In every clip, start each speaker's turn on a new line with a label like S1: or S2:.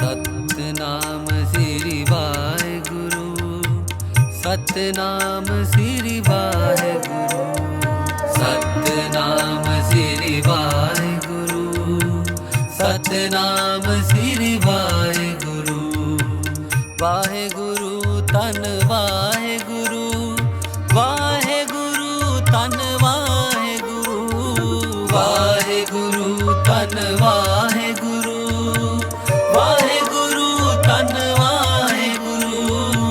S1: सतनाम श्री वाहेगुरु, सतनाम श्री वाहेगुरु, सतनाम श्री वाहेगुरु, सतनाम श्री वाहेगुरु। वाहेगुरु तन वाहेगुरु, वाहेगुरु तन वाहेगुरु, वाहेगुरु तन वाहेगुरु, वाहेगुरु तन वाहेगुरु।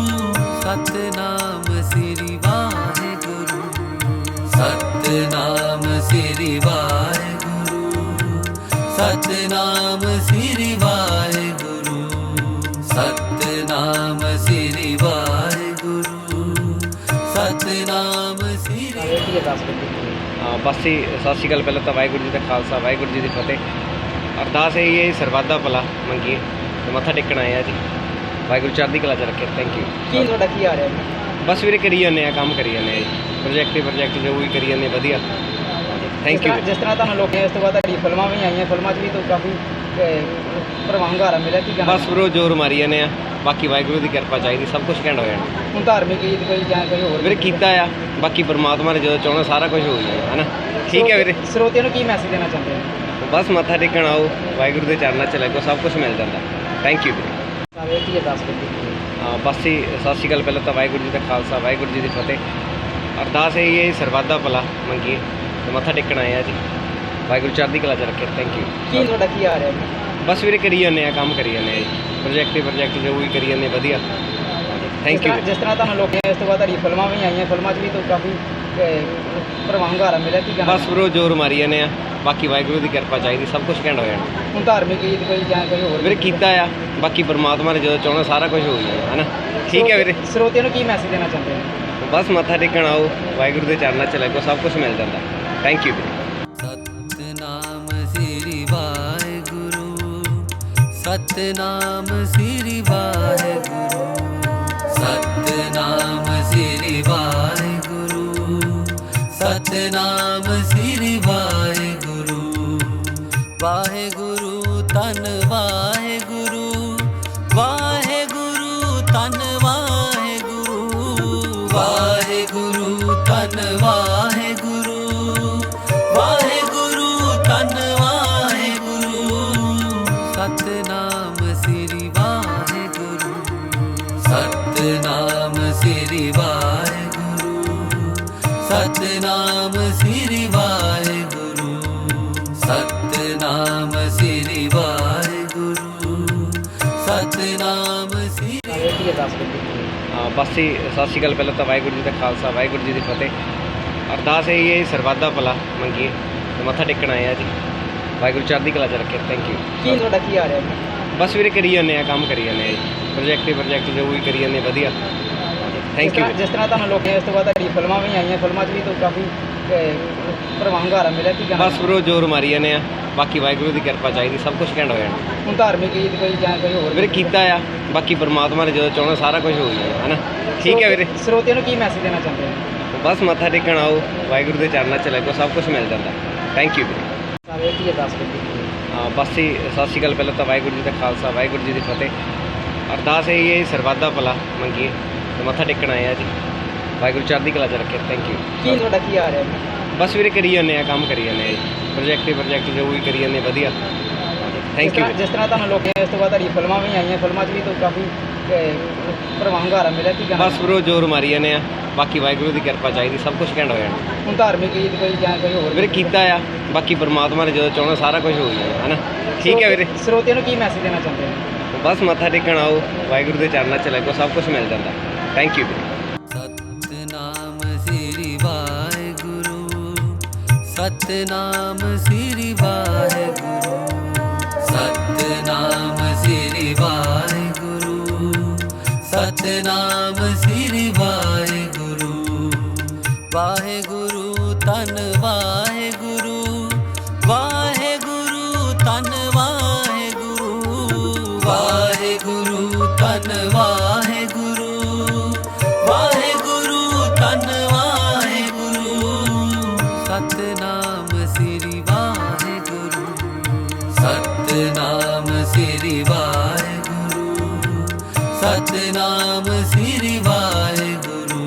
S1: सतनाम श्री वाहेगुरु, सतनाम श्री वाहेगुरु, सतनाम श्री वाहेगुरु, सतनाम श्री वाहेगुरु, सतनाम श्री।
S2: बस ही सत श्री अकाल। पहले तो वाहगुरू जी का खालसा वाहगुरू जी की फतेह। अरदास यही है सरबत दा भला मंगीए तो मत्था टेकन आए हैं जी। वाहगुरू चढ़दी कला च रखे। Thank you.
S3: ਕੀ ਤੁਹਾਡਾ ਕੀ ਆ ਰਿਹਾ ਹੈ?
S2: बस ਵੀਰੇ ਕਰੀ ਜਾਂਦੇ ਆ, ਕੰਮ ਕਰੀ ਜਾਂਦੇ ਆ ਜੀ। ਪ੍ਰੋਜੈਕਟ ਜੋ ਵੀ ਕਰੀ ਜਾਂਦੇ ਵਧੀਆ। Thank you.
S3: ਜਿਸ ਤਰ੍ਹਾਂ ਤੁਹਾਨੂੰ ਲੋਕਾਂ ਇਸ ਤੋਂ ਬਾਅਦ ਤੁਹਾਡੀ ਫਿਲਮਾਂ ਵੀ ਆਈਆਂ, ਫਿਲਮਾਂ 'ਚ ਵੀ ਤਾਂ ਕਾਫੀ ਪ੍ਰਵਾਨਗਾਰਾ ਮਿਲਿਆ। ਕੀ ਕਹਿਣਾ?
S2: ਬਸ ਬਰੋ ਜ਼ੋਰ ਮਾਰੀ ਜਾਂਦੇ ਆ, ਬਾਕੀ ਵਾਹਿਗੁਰੂ ਦੀ ਕਿਰਪਾ ਚਾਹੀਦੀ, ਸਭ ਕੁਝ ਘੈਂਟ ਹੋ ਜਾਣਾ।
S3: ਹੁਣ ਧਾਰਮਿਕ ਗੀਤ ਕੋਈ ਜਾਂ ਕੋਈ ਹੋਰ
S2: ਵੀਰੇ ਕੀਤਾ ਆ, ਬਾਕੀ ਪਰਮਾਤਮਾ ਨੇ ਜਦੋਂ ਚਾਹਣਾ ਸਾਰਾ ਕੁਝ ਹੋ ਜਾਣਾ ਹੈ ਨਾ। ਠੀਕ ਹੈ ਵੀਰੇ।
S3: ਸਰੋਤਿਆਂ ਨੂੰ ਕੀ ਮੈਸੇਜ ਦੇਣਾ ਚਾਹੁੰਦੇ ਹੋ?
S2: ਬਸ ਮੱਥਾ ਟੇਕਣ ਆਓ, ਵਾਹਿਗੁਰੂ ਦੇ ਚਰਨਾਂ 'ਚ ਲੱਗੋ, ਸਭ ਕੁਝ ਮਿਲ ਜਾਂਦਾ। ਥੈਂਕ ਯੂ ਵੀਰੇ।
S3: ਸਾਰੇ ਕੀ ਅਰਦਾਸ ਕਰਦੇ
S2: ਬਸ ਹੀ ਸਤਿ ਸ਼੍ਰੀ ਅਕਾਲ। ਪਹਿਲਾਂ ਤਾਂ ਵਾਹਿਗੁਰੂ ਜੀ ਦਾ ਖਾਲਸਾ ਵਾਹਿਗੁਰੂ ਜੀ ਦੀ ਫਤਿਹ। ਅਰਦਾਸ ਇਹੀ ਹੈ ਸਰਬਤ ਦਾ ਭਲਾ ਮੰਗੀਏ ਤੇ ਮੱਥਾ ਟੇਕਣ ਆਏ ਆ ਜੀ। ਵਾਹਿਗੁਰੂ ਚੜ੍ਹਦੀ ਕਲਾ 'ਚ ਰੱਖੇ। Thank you.
S3: ਕੀ ਤੁਹਾਡਾ ਕੀ ਆ ਰਿਹਾ ਹੈ?
S2: ਬਸ ਵੀਰੇ ਕਰੀ ਜਾਂਦੇ ਆ, ਕੰਮ ਕਰੀ ਜਾਂਦੇ ਆ ਜੀ। ਪ੍ਰੋਜੈਕਟ ਜੋ ਵੀ ਕਰੀ ਜਾਂਦੇ ਵਧੀਆ। Thank you.
S3: ਜਿਸ ਤਰ੍ਹਾਂ ਤੁਹਾਨੂੰ ਲੋਕਾਂ ਇਸ ਤੋਂ ਬਾਅਦ ਤੁਹਾਡੀ ਫਿਲਮਾਂ ਵੀ ਆਈਆਂ, ਫਿਲਮਾਂ 'ਚ ਵੀ ਤਾਂ ਕਾਫੀ ਪ੍ਰਵਾਨਗਾਰਾ ਮਿਲਿਆ। ਕੀ ਕਹਿਣਾ?
S2: ਬਸ ਬਰੋ ਜ਼ੋਰ ਮਾਰੀ ਜਾਂਦੇ ਆ, ਬਾਕੀ ਵਾਹਿਗੁਰੂ ਦੀ ਕਿਰਪਾ ਚਾਹੀਦੀ, ਸਭ ਕੁਝ ਘੈਂਟ ਹੋ ਜਾਣਾ।
S3: ਹੁਣ ਧਾਰਮਿਕ ਗੀਤ ਕੋਈ ਜਾਂ ਕੋਈ ਹੋਰ
S2: ਵੀਰੇ ਕੀਤਾ ਆ, ਬਾਕੀ ਪਰਮਾਤਮਾ ਨੇ ਜਦੋਂ ਚਾਹਣਾ ਸਾਰਾ ਕੁਝ ਹੋ ਜਾਣਾ ਹੈ ਨਾ। ਠੀਕ ਹੈ ਵੀਰੇ।
S3: ਸਰੋਤਿਆਂ ਨੂੰ ਕੀ ਮੈਸੇਜ ਦੇਣਾ ਚਾਹੁੰਦੇ ਹੋ?
S2: ਬਸ ਮੱਥਾ ਟੇਕਣ ਆਓ, ਵਾਹਿਗੁਰੂ ਦੇ ਚਰਨਾਂ 'ਚ ਲੱਗੋ, ਸਭ ਕੁਝ ਮਿਲ ਜਾਂਦਾ। ਥੈਂਕ ਯੂ ਵੀਰੇ।
S1: सतनाम श्री वाहेगुरु, सतनाम श्री वाहेगुरु, सतनाम श्री वाहेगुरु, सतनाम श्री वाहेगुरु। वाहेगुरु तन वाहेगुरु, वाहेगुरु तन वाहेगुरु, वाहेगुरु तन वाहेगुरु, वाहेगुरु तन वाहेगुरु। सतनाम श्री वाहेगुरु, सतनाम श्री वाहेगुरु, सतनाम श्री वाहेगुरु, सतनाम श्री वाहेगुरु, सतनाम श्री।
S3: ਕੀ ਅਰਦਾਸ ਕਰਦੇ
S2: ਬਸ ਹੀ ਸਤਿ ਸ਼੍ਰੀ ਅਕਾਲ। ਪਹਿਲਾਂ ਤਾਂ ਵਾਹਿਗੁਰੂ ਜੀ ਦਾ ਖਾਲਸਾ ਵਾਹਿਗੁਰੂ ਜੀ ਦੀ ਫਤਿਹ। ਅਰਦਾਸ ਇਹੀ ਹੈ ਸਰਬਤ ਦਾ ਭਲਾ ਮੰਗੀਏ ਤੇ ਮੱਥਾ ਟੇਕਣ ਆਏ ਆ ਜੀ। ਵਾਹਿਗੁਰੂ ਚੜ੍ਹਦੀ ਕਲਾ 'ਚ ਰੱਖੇ। Thank you.
S3: ਕੀ ਤੁਹਾਡਾ ਕੀ ਆ ਰਿਹਾ ਹੈ?
S2: ਬਸ ਵੀਰੇ ਕਰੀ ਜਾਂਦੇ ਆ, ਕੰਮ ਕਰੀ ਜਾਂਦੇ ਆ ਜੀ। ਪ੍ਰੋਜੈਕਟ ਜੋ ਵੀ ਕਰੀ ਜਾਂਦੇ ਵਧੀਆ। Thank you.
S3: ਜਿਸ ਤਰ੍ਹਾਂ ਤੁਹਾਨੂੰ ਲੋਕਾਂ ਇਸ ਤੋਂ ਬਾਅਦ ਤੁਹਾਡੀ ਫਿਲਮਾਂ ਵੀ ਆਈਆਂ, ਫਿਲਮਾਂ 'ਚ ਵੀ ਤਾਂ ਕਾਫੀ ਪ੍ਰਵਾਨਗਾਰਾ ਮਿਲਿਆ। ਕੀ ਕਹਿਣਾ?
S2: ਬਸ ਬਰੋ ਜ਼ੋਰ ਮਾਰੀ ਜਾਂਦੇ ਆ, ਬਾਕੀ ਵਾਹਿਗੁਰੂ ਦੀ ਕਿਰਪਾ ਚਾਹੀਦੀ, ਸਭ ਕੁਝ ਘੈਂਟ ਹੋ ਜਾਣਾ।
S3: ਹੁਣ ਧਾਰਮਿਕ ਗੀਤ ਕੋਈ ਜਾਂ ਕੋਈ ਹੋਰ
S2: ਵੀਰੇ ਕੀਤਾ ਆ, ਬਾਕੀ ਪਰਮਾਤਮਾ ਨੇ ਜਦੋਂ ਚਾਹਣਾ ਸਾਰਾ ਕੁਝ ਹੋ ਜਾਣਾ ਹੈ ਨਾ। ਠੀਕ ਹੈ ਵੀਰੇ।
S3: ਸਰੋਤਿਆਂ ਨੂੰ ਕੀ ਮੈਸੇਜ ਦੇਣਾ ਚਾਹੁੰਦੇ ਹੋ?
S2: ਬਸ ਮੱਥਾ ਟੇਕਣ ਆਓ, ਵਾਹਿਗੁਰੂ ਦੇ ਚਰਨਾਂ 'ਚ ਲੱਗੋ, ਸਭ ਕੁਝ ਮਿਲ ਜਾਂਦਾ। ਥੈਂਕ ਯੂ ਵੀਰੇ।
S3: ਸਾਰੇ ਕੀ ਅਰਦਾਸ ਕਰਦੇ
S2: ਬਸ ਹੀ ਸਤਿ ਸ਼੍ਰੀ ਅਕਾਲ। ਪਹਿਲਾਂ ਤਾਂ ਵਾਹਿਗੁਰੂ ਜੀ ਦਾ ਖਾਲਸਾ ਵਾਹਿਗੁਰੂ ਜੀ ਦੀ ਫਤਿਹ। ਅਰਦਾਸ ਇਹੀ ਹੈ ਸਰਬਤ ਦਾ ਭਲਾ ਮੰਗੀਏ ਤੇ ਮੱਥਾ ਟੇਕਣ ਆਏ ਆ ਜੀ। ਵਾਹਿਗੁਰੂ ਚੜ੍ਹਦੀ ਕਲਾ 'ਚ ਰੱਖੇ। Thank you.
S3: ਕੀ ਤੁਹਾਡਾ ਕੀ ਆ ਰਿਹਾ ਹੈ?
S2: ਬਸ ਵੀਰੇ ਕਰੀ ਜਾਂਦੇ ਆ, ਕੰਮ ਕਰੀ ਜਾਂਦੇ ਆ ਜੀ। ਪ੍ਰੋਜੈਕਟ ਜੋ ਵੀ ਕਰੀ ਜਾਂਦੇ ਵਧੀਆ। Thank you.
S3: ਜਿਸ ਤਰ੍ਹਾਂ ਤੁਹਾਨੂੰ ਲੋਕਾਂ ਇਸ ਤੋਂ ਬਾਅਦ ਤੁਹਾਡੀ ਫਿਲਮਾਂ ਵੀ ਆਈਆਂ, ਫਿਲਮਾਂ 'ਚ ਵੀ ਤਾਂ ਕਾਫੀ ਪ੍ਰਵਾਨਗਾਰਾ ਮਿਲਿਆ। ਕੀ ਕਹਿਣਾ?
S2: ਬਸ ਬਰੋ ਜ਼ੋਰ ਮਾਰੀ ਜਾਂਦੇ ਆ, ਬਾਕੀ ਵਾਹਿਗੁਰੂ ਦੀ ਕਿਰਪਾ ਚਾਹੀਦੀ, ਸਭ ਕੁਝ ਘੈਂਟ ਹੋ ਜਾਣਾ।
S3: ਹੁਣ ਧਾਰਮਿਕ ਗੀਤ ਕੋਈ ਜਾਂ ਕੋਈ ਹੋਰ
S2: ਵੀਰੇ ਕੀਤਾ ਆ, ਬਾਕੀ ਪਰਮਾਤਮਾ ਨੇ ਜਦੋਂ ਚਾਹਣਾ ਸਾਰਾ ਕੁਝ ਹੋ ਜਾਣਾ ਹੈ ਨਾ। ਠੀਕ ਹੈ ਵੀਰੇ।
S3: ਸਰੋਤਿਆਂ ਨੂੰ ਕੀ ਮੈਸੇਜ ਦੇਣਾ ਚਾਹੁੰਦੇ ਹੋ?
S2: ਬਸ ਮੱਥਾ ਟੇਕਣ ਆਓ, ਵਾਹਿਗੁਰੂ ਦੇ ਚਰਨਾਂ 'ਚ ਲੱਗੋ, ਸਭ ਕੁਝ ਮਿਲ ਜਾਂਦਾ। ਥੈਂਕ ਯੂ ਵੀਰੇ।
S1: सतनाम श्री वाहेगुरु, सतनाम श्री वाहेगुरु, सतनाम श्री वाहेगुरु, सतनाम श्री वाहेगुरु। वाहेगुरु तन वाहेगुरु, वाहेगुरु तन वाहेगुरु, वाहेगुरु तन वाहेगुरु, वाहेगुरु तन वाहेगुरु। सतनाम श्री वाहेगुरु, सतनाम श्री वाहेगुरु, ਸਤਨਾਮ ਸ੍ਰੀ ਵਾਹਿਗੁਰੂ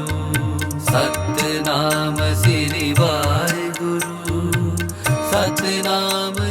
S1: ਸਤਨਾਮ ਸ੍ਰੀ ਵਾਹਿਗੁਰੂ ਸਤਨਾਮ